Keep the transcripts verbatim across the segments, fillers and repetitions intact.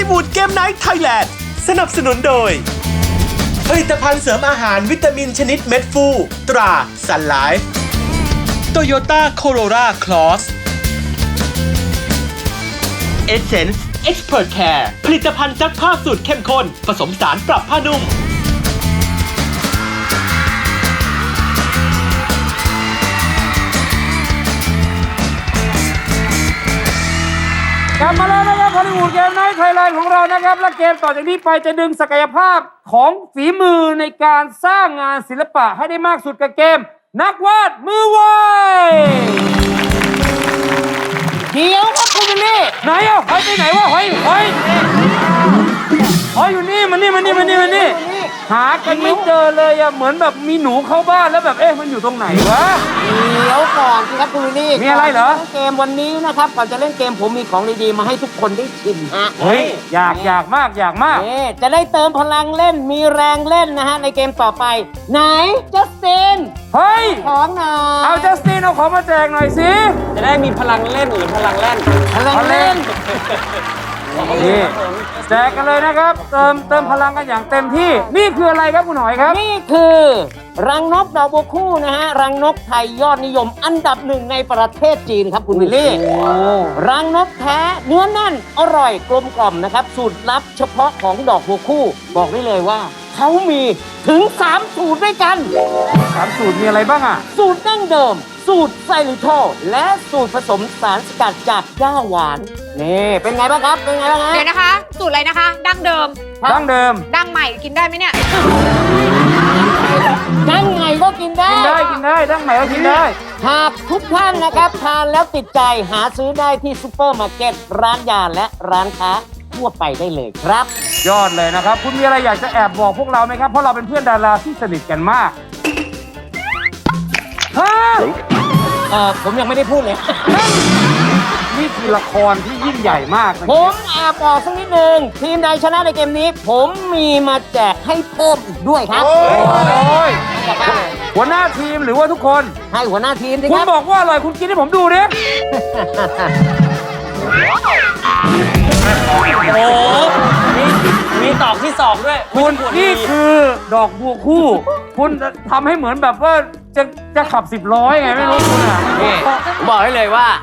ลิวูดเกมไนท์ไทยแลนด์สนับสนุนโดยผลิตภัณฑ์เสริมอาหารวิตามินชนิดเม็ดฟูตราซันไลฟ์โตโยต้าโคโรราคลอสเอเซนส์เอ็กซ์เพรสแคร์ผลิตภัณฑ์ซักผ้าสูตรเข้มข้นผสมสารปรับผ้านุ่มกลับมาแล้วนะครับฮอลลีวูดเกมไนท์ไทยแลนด์ของเรานะครับและเกมต่อจากนี้ไปจะดึงศักยภาพของฝีมือในการสร้างงานศิลปะให้ได้มากสุดกับเกมนักวาดมือไวเดี๋ยวครับคุณวิลลี่ไหนอ่ะหอยไปไหนวะหอยหอยหอยอยู่นี่มันนี่มันนี่มันนี่มันนี่หากันไม่เจอเลยอ่ะเหมือนแบบมีหนูเข้าบ้านแล้วแบบเอ๊ะมันอยู่ตรงไหนวะเดี๋ยวก่อนสิครับคุณวิลลี่มีอะไรเหรอเกมวันนี้นะครับก่อนจะเล่นเกมผมมีของดีๆมาให้ทุกคนได้ชิมฮะเฮ้ยอยากอยากมากอยากมากจะได้เติมพลังเล่นมีแรงเล่นนะฮะในเกมต่อไปไหนจัสตินเฮ้ยของหน่อยเอาจัสตินเอาของมาแจกหน่อยสิจะได้มีพลังเล่นหรือพลังเล่นพลังเล่นนี่แจกกันเลยนะครับเติมเติมพลังกันอย่างเต็มที่นี่คืออะไรครับคุณหอยครับนี่คือรังนกดอกบัวคู่นะฮะรังนกไทยยอดนิยมอันดับหนึ่งในประเทศจีนครับคุณวิลลี่รังนกแท้เนื้อแน่นอร่อยกลมกล่อมนะครับสูตรลับเฉพาะของดอกบัวคู่บอกได้เลยว่าเขามีถึงสามสูตรด้วยกันสามสูตรมีอะไรบ้างอ่ะสูตรดั้งเดิมสูตรไซริโทและสูตรผสมสารสกัดจากหญ้าหวานนี่เป็นไงบ้างครับเป็นไงบ้างฮะเดี๋ยวนะคะสูตรอะไรนะคะดั้งเดิมดั้งเดิมดั้งใหม่กินได้ไหมเนี่ยดั้งใหม่ก็กินได้กินได้กินได้ดั้งใหม่ก็กินได้หากทุกท่านนะครับทานแล้วติดใจหาซื้อได้ที่ซุปเปอร์มาร์เก็ตร้านยาและร้านค้าทั่วไปได้เลยครับยอดเลยนะครับคุณมีอะไรอยากจะแอบบอกพวกเราไหมครับเพราะเราเป็นเพื่อนดาราที่สนิทกันมากฮะเออผมยังไม่ได้พูดเลยนี่คือละครที่ยิ่งใหญ่มากผมแอบบอกสักนิดนึงทีมใดชนะในเกมนี้ผมมีมาแจกให้เพิ่มอีกด้วยครับโอ้ยหัวหน้าทีมหรือว่าทุกคนให้หัวหน้าทีมสิครับคุณบอกว่าอร่อยคุณกินให้ผมดูดิโอ้มีมีตอกที่สองด้วยคุณนี่คือดอกบัวคู่คุณทำให้เหมือนแบบว่าจะจะขับสิบล้อไงไม่รู้คุณอ่ะนี่บอกได้เลยว่า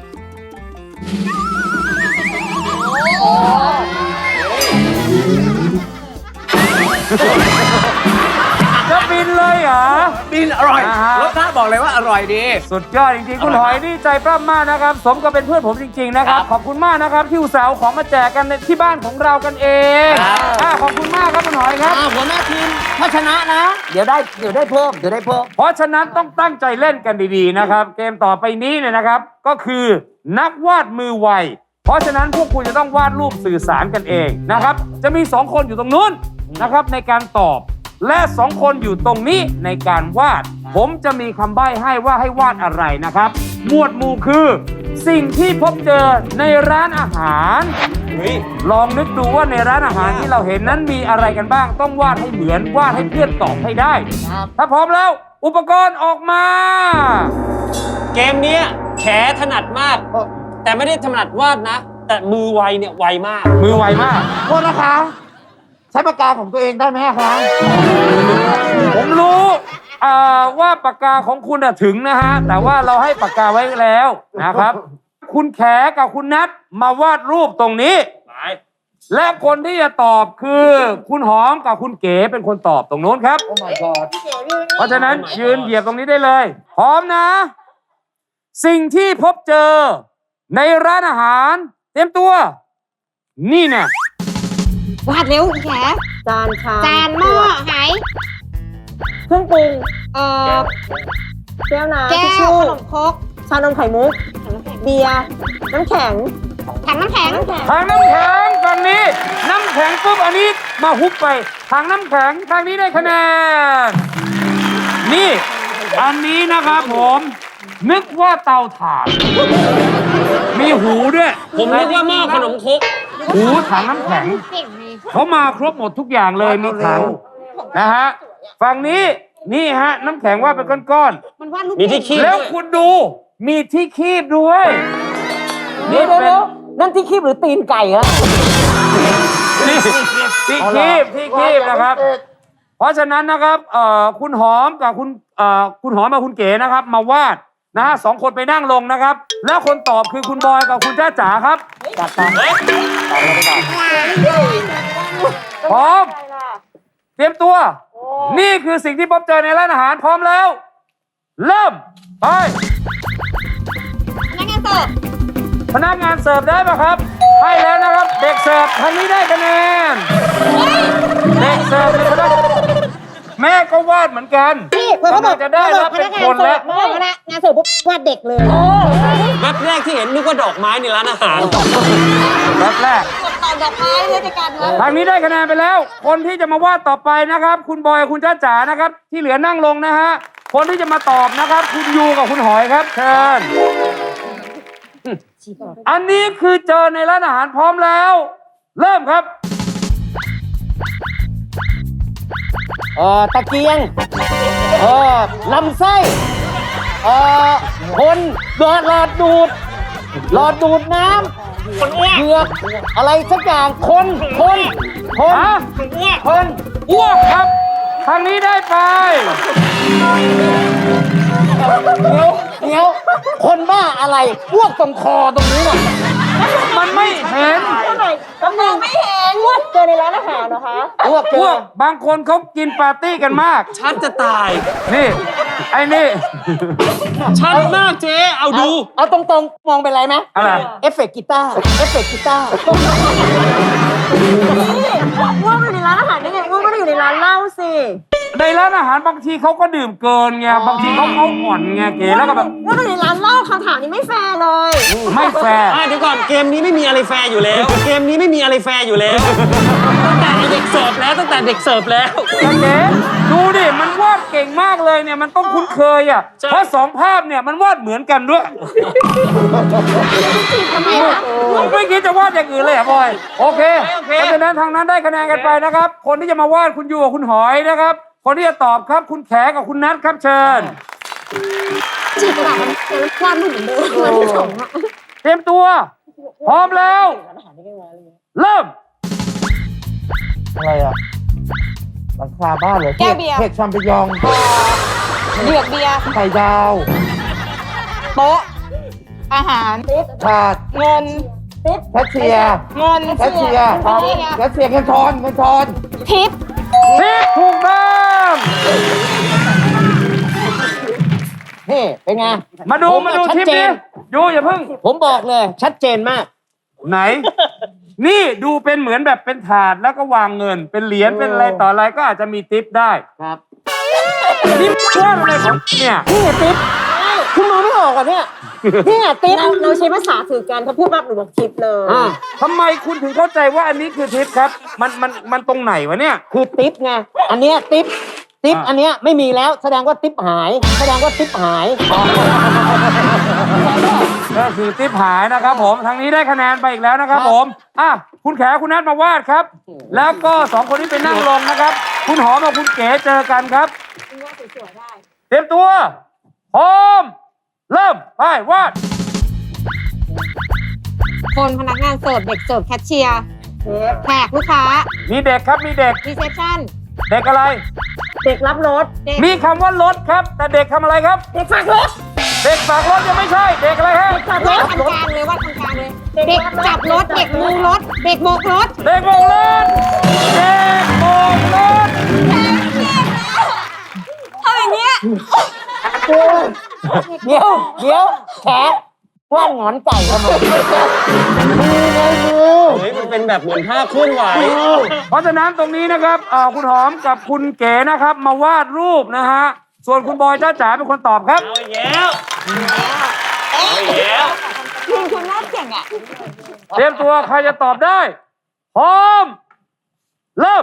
จะบินเลยเหรอบินอร่อยรสชาติบอกเลยว่าอร่อยดีสุดยอดจริงๆคุณหอยนี่ใจปล้ำมากนะครับสมกับเป็นเพื่อนผมจริงๆนะครับขอบคุณมากนะครับที่อุตส่าห์เอาของมาแจกกันในที่บ้านของเรากันเองขอบคุณมากครับคุณหอยครับหัวหน้าทีมถ้าชนะนะเดี๋ยวได้เดี๋ยวได้เพิ่มเดี๋ยวได้เพิ่มเพราะฉะนั้นต้องตั้งใจเล่นกันดีๆนะครับเกมต่อไปนี้เนี่ยนะครับก็คือนักวาดมือไวเพราะฉะนั้นพวกคุณจะต้องวาดรูปสื่อสารกันเองนะครับจะมีสองคนอยู่ตรงนู้นนะครับในการตอบและสองคนอยู่ตรงนี้ในการวาดผมจะมีคำใบ้ให้ว่าให้วาดอะไรนะครับหมวดหมู่คือสิ่งที่พบเจอในร้านอาหารลองนึกดูว่าในร้านอาหารที่เราเห็นนั้นมีอะไรกันบ้างต้องวาดให้เหมือนวาดให้เพื่อนตอบให้ได้ถ้าพร้อมแล้วอุปกรณ์ออกมาเกมนี้แขถนัดมากแต่ไม่ได้ถนัดวาดนะแต่มือไวเนี่ยไวมากมือไวมากโทษนะคะใช้ปากกาของตัวเองได้ไหมคะผมรู้ว่าปากกาของคุณถึงนะฮะแต่ว่าเราให้ปากกาไว้แล้วนะครับคุณแขกับคุณนัทมาวาดรูปตรงนี้และคนที่จะตอบคือคุณหอมกับคุณเก๋เป็นคนตอบตรงโน้นครับ Oh my god เพราะฉะนั้นยืนเหยียบตรงนี้ได้เลยพร้อมนะสิ่งที่พบเจอในร้านอาหารเตรียมตัวนี่เนี่ยวาดเร็วแขจานชามจานหม้อไหเครื่องปรุงเอ่อแก้วน้ำแก้วขนมครกชานมไข่มุกเบียร์น้ำแข็งถังน้ำแข็งถังน้ำแข็งฝั่งนี้น้ำแข็งปุ๊บอันนี้มาฮุบไปถังน้ำแข็งทางนี้ได้คะแนนนี่อันนี้นะครับผมนึกว่าเตาถ่านมีหูด้วยผมนึกว่าหม้อขนมครกหูถังน้ำแข็งเขามาครบหมดทุกอย่างเลยมีถังนะฮะฝั่งนี้นี่ฮะน้ำแข็งว่าเป็นก้อนๆมีที่คีบแล้วคุณดูมีที่คีบด้วยนี่เป็นนั่นที่คีบหรือตีนไก่ฮะที่ที่คีบที่คีบนะครับ เพราะฉะนั้นนะครับเอ่อคุณหอมกับคุณเอ่อคุณหอมกับคุณเก๋นะครับ มาวาดนะฮะสองคนไปนั่งลงนะครับ แล้วคนตอบคือคุณบอยกับคุณจ้าจ๋าครับจัดไปพร้อม เตรียมตัว นี่คือสิ่งที่พบเจอในร้านอาหารพร้อมแล้ว เริ่มไปนักงานเสิร์ฟพนักงานเสิร์ฟได้ป่ะครับ ให้แล้วนะครับ เด็กเสิร์ฟทางนี้ได้คะแนน เด็กเสิร์ฟเป็นพนักแม่ก็วาดเหมือนกันพี่เพื่อนเขาบอกกำลังจะได้รับพเป็นันกงาคน นเสิแล้วร์ฟเขาบอกพนักงานเสิร์ฟปุ๊บวาดเด็กเลยแวบแรกที่เห็นนึกว่าดอกไม้ในร้านอาหารแรกแรกต่อดอกไม้เลยจัดการเลยทางนี้ได้คะแนนไปแล้ว คนที่จะมาวาดต่อไปนะครับ คุณบอยกับคุณจ้าจ๋านะครับ ที่เหลือนั่งลงนะฮะ คนที่จะมาตอบนะครับ คุณยูกับคุณหอยครับ เชิญ อันนี้คือเจอในร้านอาหารพร้อมแล้ว เริ่มครับเอ่อตะเกียงเอ่อลำไส้เอ่อคนหลอดหลอดดูดหลอดดูดน้ำเหยือกอะไรสักอย่างคนคนคนฮะคนอ้วกครับ ทางนี้ได้ไปเดี๋ยวเดี๋ยวคนบ้าอะไรอ้วกตรงคอตรงนี้น่ะมันไม่เห็นก็มองไม่เห็นว่าเจอในร้านอาหารนะคะอ้วกเจอ้วอกบางคนเขากินปาร์ตี้กันมากชัดจะตายนี่ ไอ้นี่ชัดมากเจ๊ เอาดูเอาตรงๆมองเป็นไรไหมอะไรเอฟเฟกต์กีตาร์เอฟเฟกต์กีตาร์ว่าอยู่ในร้านอาหารได้ไงว่าไม่ได้อยู่ในร้านเหล้าสิในร้านอาหารบางทีเขาก็ดื่มเกินไง บางทีเขาเขาอ่อนไงเก๋แล้วก็แบบว่าอยู่ในร้านเหล้าคำถามนี้ไม่แฟร์เลยไม่แฟร์อ่ะเดี๋ยวก่อนเกมนี้ไม่มีอะไรแฟร์อยู่แล้ว เกมนี้ไม่มีอะไรแฟร์อยู่แล้ว ตั้งแต่เด็กเสิร์ฟแล้วตั้งแต่เด็กเสิร์ฟแล้วแต่เก๋ดูดิ มันวาดเก่งมากเลยเนี่ย มันต้องคุ้นเคยอ่ะใช่เพราะสองภาพเนี่ยมันวาดเหมือนกันด้วยทำไมคะไม่คิดจะวาดอย่างอื่นเลยเหรอ่ะบอย โอเค เพราะฉะนั้นทางนั้นได้คะแนนกันไปนะครับ คนที่จะมาวาดคุณยูกับคุณหอยนะครับ คนที่จะตอบครับคุณแขกับคุณนัทครับเชิญจีบกระดาษมันแต่มันวาดไม่เหมือนเดิมมันที่สองอะเตรียมตัว พร้อมแล้ว เริ่มอะไรอ่ะหลังคาบ้านเลยแก้วเบียร์เห็ดชัมปิญองเดือกเบียร์ไข่ดาวโต๊ะอาหารถาดเงินแคชเชียร์เงินแคชเชียร์แคชเชียร์เงินทอนเงินทอนทิปทิศถูกต้องนี่เป็นไงมาดูผมาดูชัทิปเจนี้นยูอย่าเพิ่งผมบอกเลย ชัดเจนมากไหน นี่ดูเป็นเหมือนแบบเป็นถาดแล้วก็วางเงิน เป็นเหรียญเป็นอะไรต่ออะไรก็อาจจะมีทิปได้ครับนี่ช่วงอะไรของเนี่ยนี่ติ๊บคุณมองไม่ออกเหรอ่ะเนี่ยเนี่ยติ๊บเราเราใช้ภาษาสื่อกันถ้าพูดแบบหนูบอกทิปเลยอ่าทำไมคุณถึงเข้าใจว่าอันนี้คือทิปครับ มันมันมันตรงไหนวะเนี่ยคือติ๊บไงอันเนี้ยติ๊บติ๊บอ่าอันเนี้ยไม่มีแล้วแสดงว่าติ๊บหาย แสดงว่าติ๊บหายก็คือทิปหายนะครับผมทางนี้ได้คะแนนไปอีกแล้วนะครับผมอ่ะคุณแขคุณนัทมาวาดครับ แล้วก็สองคนนี้ไปนั่งลงนะครับ คุณหอมกับคุณเก๋เจอกันครับเตรียมตัวพร้อมเริ่มไปวาดคนพนักงานเสิร์ฟเด็กเสิร์ฟแคชเชียร์แขกลูกค้ามีเด็กครับมีเด็กรีเซพชั่นเด็กอะไรเด็กรับรถเด็กมีคำว่ารถครับ แต่เด็กทำอะไรครับเด็กฝากรถเด็กฝากรถยังไม่ใช่ เด็กอะไรฮะฝากรถทำกลางเลยว่าทำกลางเลย เด็กจับรถ เด็กมูรถ เด็กโบกรถเด็กโบกรถเด็กโบกรถทำอย่างเงี้ยเดี๋ยวเดี๋ยวแขกว่านหงอนไก่ทำไมมือไงมือเฮ้ยมันเป็นแบบเหมือนท่าเคลื่อนไหวเพราะฉะนั้นตรงนี้นะครับเอ่อคุณหอมกับคุณเก๋นะครับ มาวาดรูปนะฮะ ส่วนคุณบอยจ้าจ๋าเป็นคนตอบครับเอาอีกแล้วเอาอีกแล้วคุณคุณน่าเก่งอ่ะเตรียมตัวใครจะตอบได้ พร้อม เริ่ม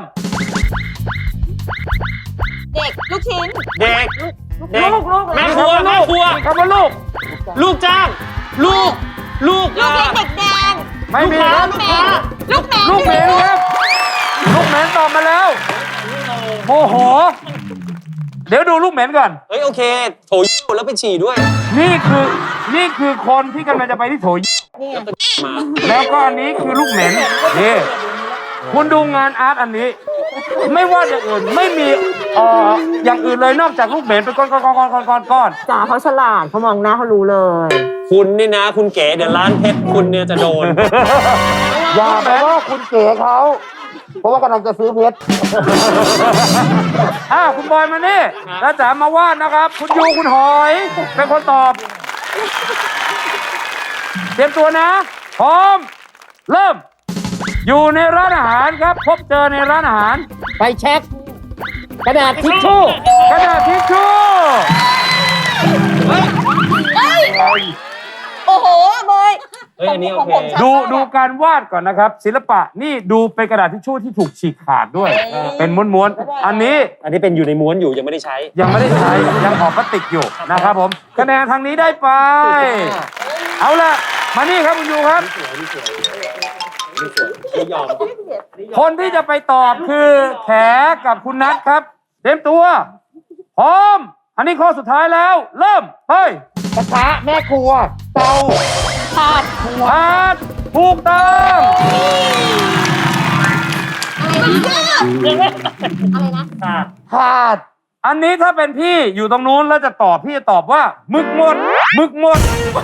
เด็กลูกชิ้นเด็ก เด็กลูกลูกแม่ครัวแม่ครัวมีคำว่าลูกลูกจ้าง ลูก ลูกลูกเล็กอ่ะเด็กแดงไม่มีลูกค้าครับลูกแมนลูกแมนลูกเหม็นครับ ลูกเหม็นตอบมาแล้วโมโห เดี๋ยวดูลูกเหม็นก่อนเฮ้ยโอเค โถยิ้วแล้วไปฉี่ด้วยนี่คือ นี่คือคนที่กำลังจะไปที่โถยนี่ไงมาแล้วก็อันนี้คือลูกเหม็นนี่คุณดูงานอาร์ตอันนี้ ไม่ว่าอย่างอื่นไม่มีเอ่ออย่างอื่นเลยนอกจากลูกเหม็นเป็นก้อนก้อนก้อนก้อนก้อนก้อนจ๋าเขาฉลาดเขามองหน้าเขารู้เลยคุณนี่นะ คุณเก๋เดี๋ยวร้านเพชรคุณเนี่ยจะโดนอย่าไปว่าคุณเก๋เขา เพราะว่ากำลังจะซื้อเพชรอ่าคุณบอยมานี่แล้วจ๋ามาวาดนะครับ คุณยูคุณหอยเป็นคนตอบ เตรียมตัวนะ พร้อม เริ่ม อยู่ในร้านอาหารครับ พบเจอในร้านอาหารไปเช็ค กระดาษทิชชู่กระดาษทิชชู่โอ้โหบอยเฮ้ยอันนี้โอเคดูดูการวาดก่อนนะครับ ศิลปะนี่ดูเป็นกระดาษทิชชู่ที่ถูกฉีกขาดด้วย เป็นม้วนๆอันนี้อันนี้เป็นอยู่ในม้วนอยู่ยังไม่ได้ใช้ยังไม่ได้ใช้ยังออกพลาสติกอยู่นะครับผมคะแนนทางนี้ได้ไป เอาล่ะ มานี่ครับคุณยูครับไม่ยอมคนที่จะไปตอบคือแขกับคุณนัทครับ เตรียมตัว พร้อม อันนี้ข้อสุดท้ายแล้ว เริ่มเฮ้ยกระทะแม่ครัว เตาถาดพาดถูกต้องอะไรนะถาดอันนี้ถ้าเป็นพี่อยู่ตรงนู้นแล้วจะตอบพี่จะตอบว่าหมึกหมดหมึกหมด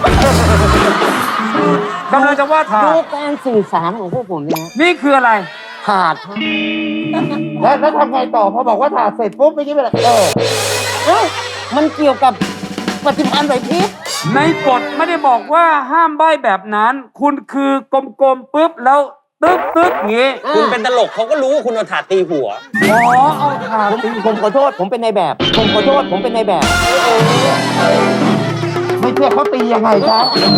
กำลังจะว่าถาดูดการสื่อสารของพวกผมเนี่ยนี่คืออะไรถาดแล้วแล้วทำไงต่อพอบอกว่าถาดเสร็จปุ๊บไม่ใช่เป็นไรเออเอ้ามันเกี่ยวกับปฏิพันธ์ไหวพริบในกฎไม่ได้บอกว่าห้ามใบ้แบบนั้น คุณคือกลมๆปุ๊บแล้วตึ๊กตึ๊กอย่างงี้คุณเป็นตลกเขาก็รู้ว่าคุณเอาถาดตีหัวอ๋อเอาถาดผมผมขอโทษ ผมเป็นในายแบบ ผมขอโทษ ผมเป็นในายแบบไม่เชื่อเขาตียังไงครับ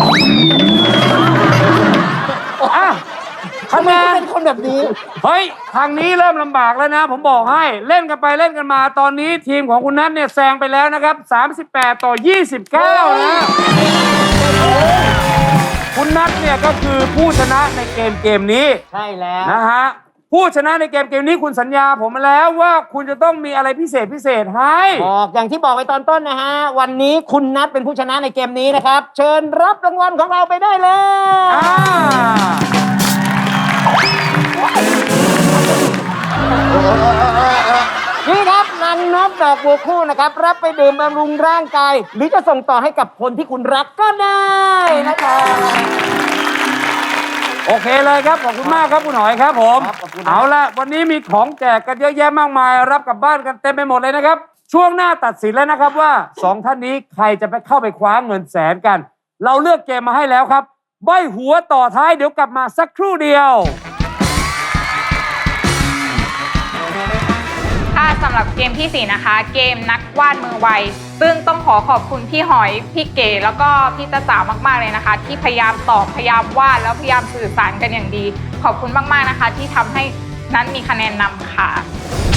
อ่ะทำคะไมแนเขานเป็นคนแบบนี้เฮ้ย ทางนี้เริ่มลำบากแล้วนะ ผมบอกให้เล่นกันไปเล่นกันมาตอนนี้ทีมของคุณนัทเนี่ยแซงไปแล้วนะครับสามสิบแปดต่อยี่สิบเก้านะ คุณนัทเนี่ยก็คือผู้ชนะในเกมเกมนี้ใช่แล้วนะฮะผู้ชนะในเกมเกมนี้คุณสัญญาผมมาแล้วว่าคุณจะต้องมีอะไรพิเศษพิเศษให้บอกอย่างที่บอกไปตอนต้นนะฮะ วันนี้คุณนัทเป็นผู้ชนะในเกมนี้นะครับ เชิญรับรางวัลของเราไปได้เลยอ่านี่ครับรังนกดอกบัวคู่นะครับ รับไปดื่มบำรุงร่างกาย หรือจะส่งต่อให้กับคนที่คุณรักก็ได้นะครับโอเคเลยครับขอบคุณมากครับคุณหอยครับผมครับขอบคุณครับเอาละวันนี้มีของแจกกันเยอะแยะมากมาย รับกลับบ้านกันเต็มไปหมดเลยนะครับ ช่วงหน้าตัดสินแล้วนะครับว่าสองท่านนี้ใครจะไปเข้าไปคว้าเงินแสนกัน เราเลือกเกมมาให้แล้วครับใบ้หัวต่อท้ายเดี๋ยวกลับมาสักครู่เดียวค่ะสำหรับเกมที่สี่นะคะ เกมนักวาดมือไวซึ่งต้องขอขอบคุณพี่หอยพี่เก๋แล้วก็พี่จ๊ะจ๋ามากๆเลยนะคะ ที่พยายามตอบพยายามวาดแล้วพยายามสื่อสารกันอย่างดี ขอบคุณมากๆนะคะ ที่ทำให้นั้นมีคะแนนนำค่ะ